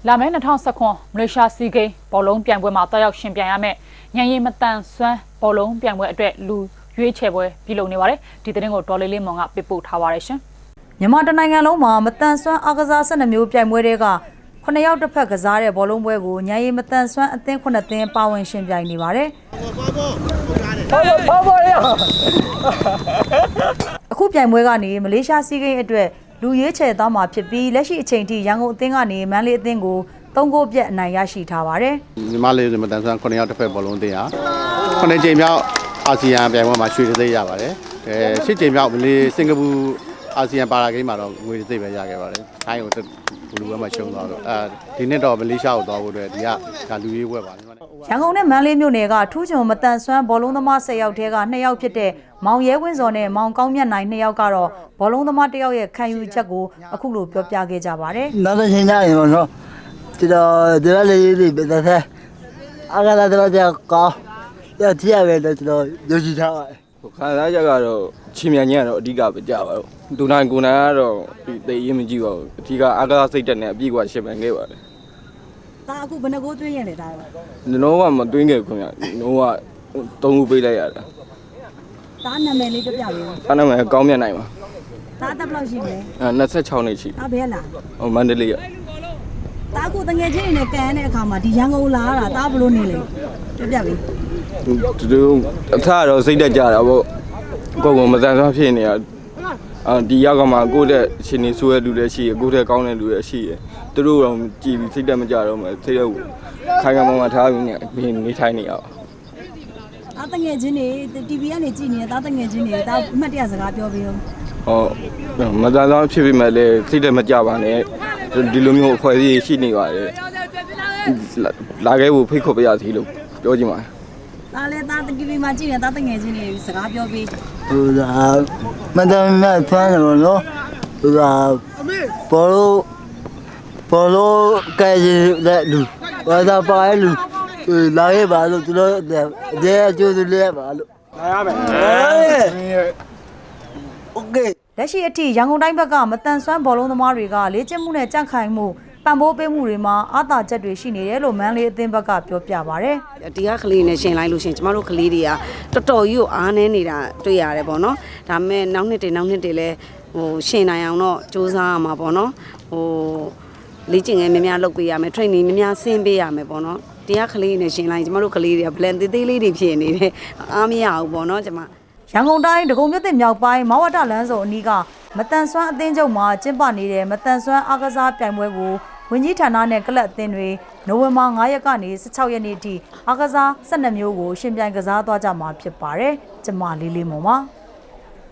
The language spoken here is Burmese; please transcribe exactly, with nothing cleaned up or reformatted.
လာမယ့်၂၀၁၇မလေးရှားစီးဂိမ်းဘောလုံးပြိုင်ပွဲမှာတက်ရောက်ရှင်ပြိုင်ရမယ့်ညံရီမတန်ဆွမ်းဘောလုံးပြိုင်ပွဲအတွက်လူရွေးချယ်ပွဲပြုလုပ်နေပါတယ်ဒီသတင်းကိုဒေါ်လေးလေးမွန်ကပေးပို့ထားပါတယ်ရှင်မြန်မာတနိုင်ငံလုံးမှာမတန်ဆွမ်းအားကစား၁၂မျိုးပြိုင်ပွဲတွေကခုနှစ်ယောက်တစ်ဖက်ကစားတဲ့ဘောလုံးပွဲကိုညံရီမတန်ဆွမ်းအသင်းခုနှစ်သင်းပါဝင်ရှင်ပြိုင်နေပါတယ်အခုပြိုင်ပွဲကနေမလေးရှားစီးဂိမ်းအတွက်လူရွေးချယ်သွားမှာဖြစ်ပြီးလက်ရှိအချိန်ထိရန်ကုန်အသင်းကနေမန္တလေးအသင်းကိုသုံးဂိုးပြတ်အနိုင်ရရှိထားပါတယ်။မြန်မာလေးမတန်ဆွမ်းခုနှစ်ယောက်တစ်ဖက်ဘောလုံးအသင်းဟာခုနှစ်ကြိမ်မြောက်အာဆီယံပြိုင်ပွဲမှာရွှေတံဆိပ်ရပါတယ်။အဲရှစ်ကြိမ်မြောက်မလေးစင်ကာပူအာဆီယံပါရာဂိမ်းမှာတော့ငွေတံဆိပ်ပဲရခဲ့ပါတယ်။ထိုင်းကိုဘလူးဘက်မှာရှုံးသွားတော့အဲဒီနှစ်တော့မလေးရှားကိုသွားဖို့အတွက်ဒီကဒါလူရေးပွဲပါမြန်မာရန်ကုန်နဲ့မန္တလေးမြို့နယ်ကထူးချွန်မတန်ဆွမ်းဘောလုံးသမား၁၀ယောက်ထဲကနှစ်ယောက်ဖြစ်တဲ့မောင်ရဲဝင်းစော်နဲ့မောင်ကောင်းမြတ်နိုင်နှစ်ယောက်ကတော့ဘောလုံးသမားတစ်ယောက်ရဲ့ခံယူချက်ကိုအခုလိုပြောပြခဲ့ကြပါတယ်။နောက်တစ်ချိန်ကျရင်ပေါ့နော်ဒီတော့ဒီလိုလေးလေးပဲတဲ့အားကစားတော့ကြောက်ကောင်းရထရပဲလို့ကျွန်တော်ယုံကြည်ထားပါတယ်။ခံစားချက်ကတော့ချင်းမြန်ညံ့တော့အဓိကပဲကြပါတော့။ဒူနိုင်ကိုနိုင်ကတော့ဒီသိရင်မကြည့်ပါဘူး။အဓိကအားကစားစိတ်တက်နဲ့အပြည့်ကရှင်ပန်ခဲ့ပါတယ်။ဒါအခုဘယ်နှကိုသွင်းရလဲဒါတော့။ကျွန်တော်ကမသွင်းခဲ့ခွင့်ရ။ကျွန်တော်ကသုံးခုပေးလိုက်ရတာ။ဒါနာမည်လေးပြပြပေး။ဒါနာမည်ကောင်းမြတ်နိုင်ပါ။ဒါတက်ဘလောက်ရှိလဲ။အဲ၂၆နှစ်ရှိ။ဒါဘယ်လား။ဟိုမန္တလေးရ။ဒါအခုတငယ်ချင်းတွေနဲ့ကန်တဲ့အခါမှာဒီရန်ကုန်လာတာဒါဘလို့နေလဲပြပြပေးသူတို့အထတော့စိတ်တက်ကြတာပေါ့ကိုယ်ကမတန်ဆွမ်းဖြစ်နေရအာဒီရောက်ကမှကိုယ့်တဲ့ရှင်နေဆိုးရလူလည်းရှိရကိုယ့်တဲ့ကောင်းတဲ့လူလည်းရှိရသူတို့တော့ကြည်ပြီးစိတ်တက်မကြတော့မှစိတ်ရောက်ခိုင်ခိုင်မာမာထားပြီးနေနေထိုင်နေရအောင်ဒါတငယ်ချင်းတွေ တီဗီ ကနေကြည့်နေတာတငယ်ချင်းတွေဒါအမှတ်တရစကားပြောပေးဦးဟောမတန်ဆွမ်းဖြစ်ပြီးမှလည်းစိတ်တက်မကြပါနဲ့ဒီလိုမျိုးအဖွဲ့အစည်းရှိနေပါတယ်လာခဲ့ဖို့ဖိတ်ခေါ်ပြရစီလို့ပြောချင်ပါတယ်ဒါလည်းဒါတီဗီမှာကြည့်နေတာတငယ်ချင်းတွေစကားပြောပေးဟိုဒါမတန်နဲ့ဖမ်းတယ်ဘောနော်ဟိုဒါဘောလုံးဘောလုံးကဲတဲ့လူဘာသာပါရဲ့လူလာခဲ့ပါလို့သူတို့အသေးအကျိုးသူလေးပါလို့လာရမယ်โอเคလက်ရှိအထိရန်ကုန်တိုင်းဘက်ကမတန်ဆွမ်းဘောလုံးသမားတွေကလေ့ကျင့်မှုနဲ့ကြန့်ခိုင်မှုပံ့ပိုးပေးမှုတွေမှာအားသာချက်တွေရှိနေတယ်လို့မန်းလေးအသင်းဘက်ကပြောပြပါဗျ။ဒီကကလေးနဲ့ရှင်လိုက်လို့ရှင်ကျမတို့ကလေးတွေကတော်တော်ကြီးကိုအားနေနေတာတွေ့ရတယ်ပေါ့နော်။ဒါပေမဲ့နောက်နှစ်တွေနောက်နှစ်တွေလည်းဟိုရှင်နိုင်အောင်တော့စူးစမ်းရမှာပေါ့နော်။ဟိုလေ့ကျင့်ငယ်များများလုပ်ပေးရမယ် training များများဆင်းပေးရမယ်ပေါ့နော်။ဒီကကလေးနဲ့ရှင်လိုက်ကျမတို့ကလေးတွေက blend သေးသေးလေးတွေဖြစ်နေတယ်။အားမရဘူးပေါ့နော်ကျမရန်ကုန်တိုင်းဒဂုံမြို့သစ်မြောက်ပိုင်းမဝတလမ်းစုံအနီးကမတန်ဆွမ်းအသင်းချုပ်မှာကျင်းပနေတဲ့မတန်ဆွမ်းအားကစားပြိုင်ပွဲကိုဝန်ကြီးဌာနနဲ့ကလပ်အသင်းတွေနိုဝင်ဘာ၅ရက်ကနေ၁၆ရက်နေ့ထိအားကစား၁၂မျိုးကိုရှင်ပြိုင်ကစားသွားကြမှာဖြစ်ပါတယ်။ကျမလေးလေးမော်ပါ